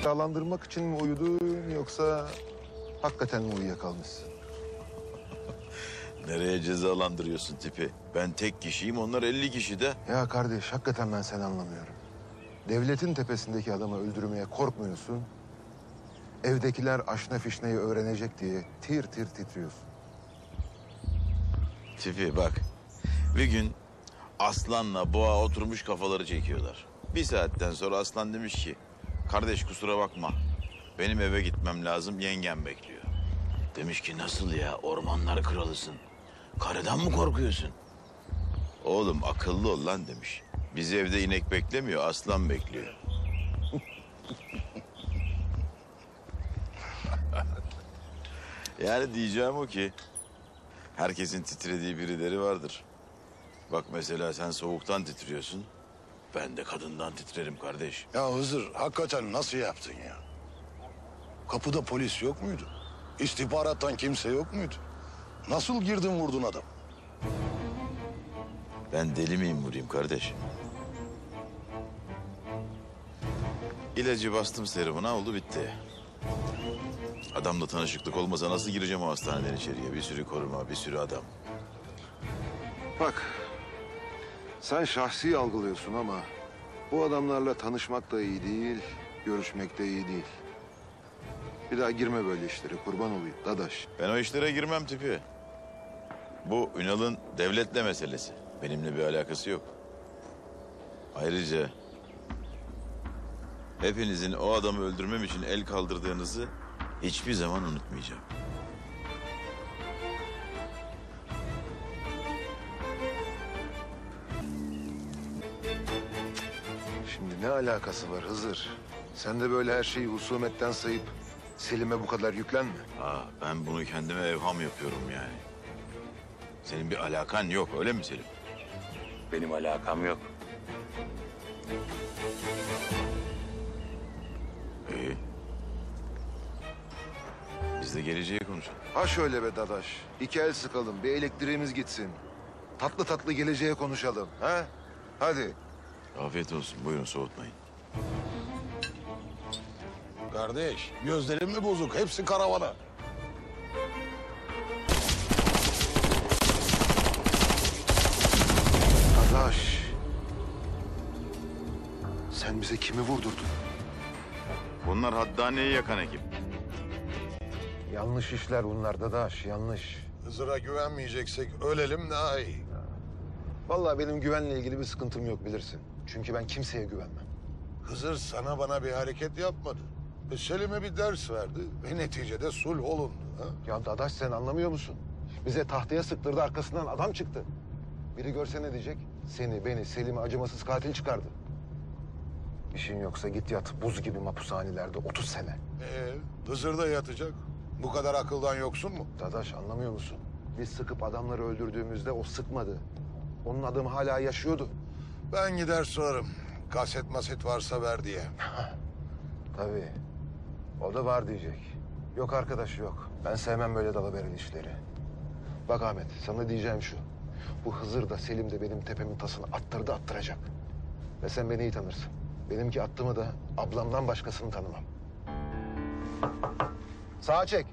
cezalandırmak için mi uyudun yoksa hakikaten mi uyuyakalmışsın? Nereye cezalandırıyorsun tipi? Ben tek kişiyim, onlar 50 kişi de. Ya kardeş, hakikaten ben seni anlamıyorum. Devletin tepesindeki adamı öldürmeye korkmuyorsun. Evdekiler aşna fişneyi öğrenecek diye tir tir titriyorsun. Tipi bak, bir gün Aslan'la Boğa oturmuş kafaları çekiyorlar. Bir saatten sonra Aslan demiş ki, kardeş kusura bakma, benim eve gitmem lazım, yengem bekliyor. Demiş ki nasıl ya, ormanlar kralısın, karıdan mı korkuyorsun? Oğlum akıllı ol lan demiş. Bizi evde inek beklemiyor, aslan bekliyor. Yani diyeceğim o ki, herkesin titrediği birileri vardır. Bak mesela sen soğuktan titriyorsun, ben de kadından titrerim kardeş. Ya Hızır, hakikaten nasıl yaptın ya? Kapıda polis yok muydu? İstihbarattan kimse yok muydu? Nasıl girdin vurdun adam? Ben deli miyim vurayım kardeş? İlacı bastım serumuna, oldu bitti. Adamla tanışıklık olmasa nasıl gireceğim o hastaneden içeriye? Bir sürü koruma, bir sürü adam. Bak, sen şahsi algılıyorsun ama bu adamlarla tanışmak da iyi değil, görüşmek de iyi değil. Bir daha girme böyle işlere, kurban olayım dadaş. Ben o işlere girmem tipi. Bu Ünal'ın devletle meselesi. Benimle bir alakası yok. Ayrıca hepinizin o adamı öldürmem için el kaldırdığınızı hiçbir zaman unutmayacağım. Şimdi ne alakası var Hızır? Sen de böyle her şeyi husumetten sayıp Selim'e bu kadar yüklenme. Ben bunu kendime evham yapıyorum yani. Senin bir alakan yok, öyle mi Selim? Benim alakam yok. İyi. Biz de geleceği konuşalım. Ha şöyle be dadaş, iki el sıkalım, bir elektriğimiz gitsin. Tatlı tatlı geleceğe konuşalım, ha? Hadi. Afiyet olsun, buyurun soğutmayın. Kardeş, gözlerin mi bozuk? Hepsi karavana. Dadaş. Sen bize kimi vurdurdun? Bunlar Haddaniye'yi yakan ekip. Yanlış işler bunlar dadaş, yanlış. Hızır'a güvenmeyeceksek ölelim daha iyi. Vallahi benim güvenle ilgili bir sıkıntım yok bilirsin. Çünkü ben kimseye güvenmem. Hızır sana bana bir hareket yapmadı. Selim'e bir ders verdi ve neticede sulh olundu. Ha? Ya dadaş sen anlamıyor musun? Bize tahtaya sıktırdı, arkasından adam çıktı. Biri görse ne diyecek? Seni, beni, Selim'i acımasız katil çıkardı. İşin yoksa git yat buz gibi mahpushanelerde 30 sene. Hızır da yatacak. Bu kadar akıldan yoksun mu? Dadaş anlamıyor musun? Biz sıkıp adamları öldürdüğümüzde o sıkmadı. Onun adamı hala yaşıyordu. Ben gider sorarım. Kaset maset varsa ver diye. Tabii. O da var diyecek. Yok arkadaş yok. Ben sevmem böyle dalaveren işleri. Bak Ahmet sana diyeceğim şu. Bu Hızır da Selim de benim tepemin tasını attırdı attıracak. Ve sen beni iyi tanırsın. Benimki attığımı da ablamdan başkasını tanımam. Sağa çek.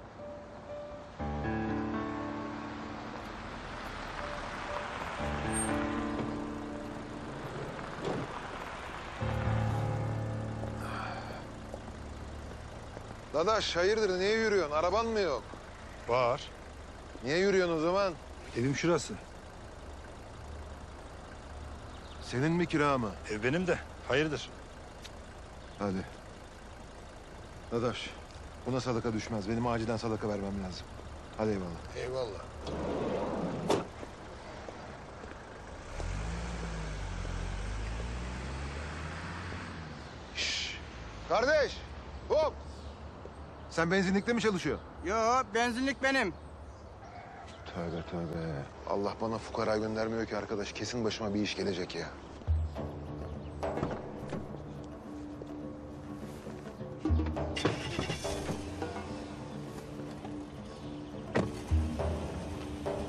Dadaş hayırdır niye yürüyorsun? Araban mı yok? Var. Niye yürüyorsun o zaman? Evim şurası. Senin mi kira mı? Ev benim de. Hayırdır? Hadi. Dadaş buna sadaka düşmez. Benim acilen sadaka vermem lazım. Hadi eyvallah. Eyvallah. Kardeş hop. Sen benzinlikte mi çalışıyorsun? Yo, benzinlik benim. Tövbe tövbe. Allah bana fukara göndermiyor ki arkadaş. Kesin başıma bir iş gelecek ya.